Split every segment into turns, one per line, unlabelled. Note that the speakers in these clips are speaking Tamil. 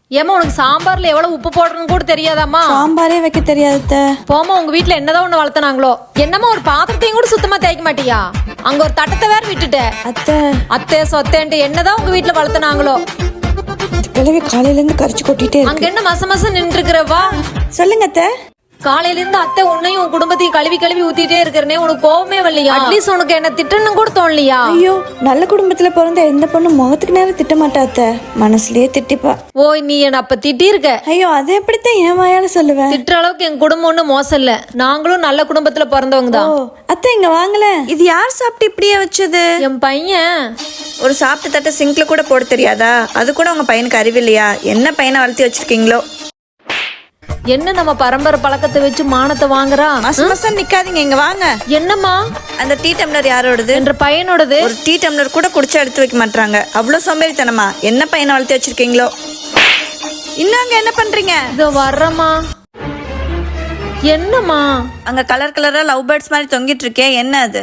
ஏமா உனக்கு சாம்பார்ல எவ்வளவு உப்பு போடணும்னு கூட தெரியாதாம்மா?
சாம்பாரே வைக்க தெரியாத.
போமா, உங்க வீட்டுல என்னதான் ஒண்ணு வளர்த்தனாங்களோ. என்னமா ஒரு பாத்திரத்தையும் கூட சுத்தமா தேய்க்க மாட்டியா? அங்க ஒரு தட்டத்தை வேற விட்டுட்ட.
அத்தை
அத்தை சொத்தேன்ட்டு என்னதான் உங்க வீட்டுல வளர்த்தனாங்களோ.
கிழவி காலையில இருந்து கரிச்சு கொட்டிட்டே
அங்க
இருக்கு.
என்ன மச மச நின்று இருக்கிறவா?
சொல்லுங்க அத்தை.
காலையில இருந்து அத்தை உன்னையும் உன் குடும்பத்தையும் கழுவி கழுவி ஊத்திட்டே இருக்கிறனே, உனக்கு கோவமே வரலையா? அட்லீஸ்ட் உனக்கு என்ன திட்டணும் கூட தோணலையா?
ஐயோ, நல்ல குடும்பத்துல பிறந்த எந்த பொண்ணு முகத்துக்கு நேரம் திட்ட மாட்டா அத்தை, மனசுலயே திட்டிப்பா.
ஓய், நீ என்ன அப்ப திட்டி இருக்க?
ஐயோ, அது எப்படித்தான் என் வாயால சொல்லுவேன்?
திட்டுற அளவுக்கு என் குடும்பம் ஒன்றும் மோசம் இல்ல. நாங்களும் நல்ல குடும்பத்துல பிறந்தவங்க தான்.
ஓ அத்தை, இங்க வாங்கல. இது யார் சாப்பிட்டு இப்படியே வச்சது?
என் பையன்.
ஒரு சாப்பிட்ட தட்டை சிங்க்ல கூட போட தெரியாதா? அது கூட உங்க பையனுக்கு அறிவில்லையா? என்ன பையனை வளர்த்தி வச்சிருக்கீங்களோ?
என்ன நம்ம பரம்பரை பழக்கத்தை வச்சு மானத்தை வாங்குறா?
மசம் நிக்காதீங்க, இங்க வாங்க.
என்னம்மா?
அந்த டீ டம்ளர் யாரோடது?
என்ற பையனோடது.
ஒரு டீ டம்ளர் கூட குடிச்சா எடுத்து வைக்க மாட்டாங்க. அவ்வளவு சோம்பேறித்தனமா? என்ன பையனை வளர்த்தி வச்சிருக்கீங்களோ? இன்னும் அங்க என்ன பண்றீங்க?
இதோ வர்றம்மா. என்னம்மா?
அங்க கலர் கலரா லவ் பேர்ட்ஸ் மாதிரி தொங்கிட்டு இருக்கே, என்ன அது?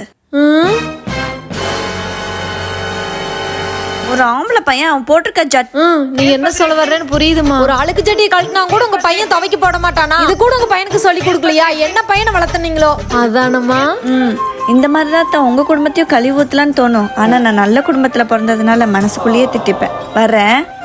ஒரு ஆம்பளை பையன் அவன் போட்டிருக்க
நீ என்ன சொல்ல வர்றேன்னு புரியுதுமா. ஒரு அழுக்கு சட்டியை கழட்டினா கூட உங்க பையன் துவைக்க போட மாட்டானா? இது கூட உங்க பையனுக்கு சொல்லி கொடுக்கலையா? என்ன பையனை வளர்த்தனீங்களோ? அதானம்மா.
இந்த மாதிரிதான் தான் உங்க குடும்பத்தையும் கழுவி ஊத்தலான்னு தோணும். ஆனா நான் நல்ல குடும்பத்துல பிறந்ததுனால மனசுக்குள்ளேயே திட்டிப்பேன். வர்றேன்.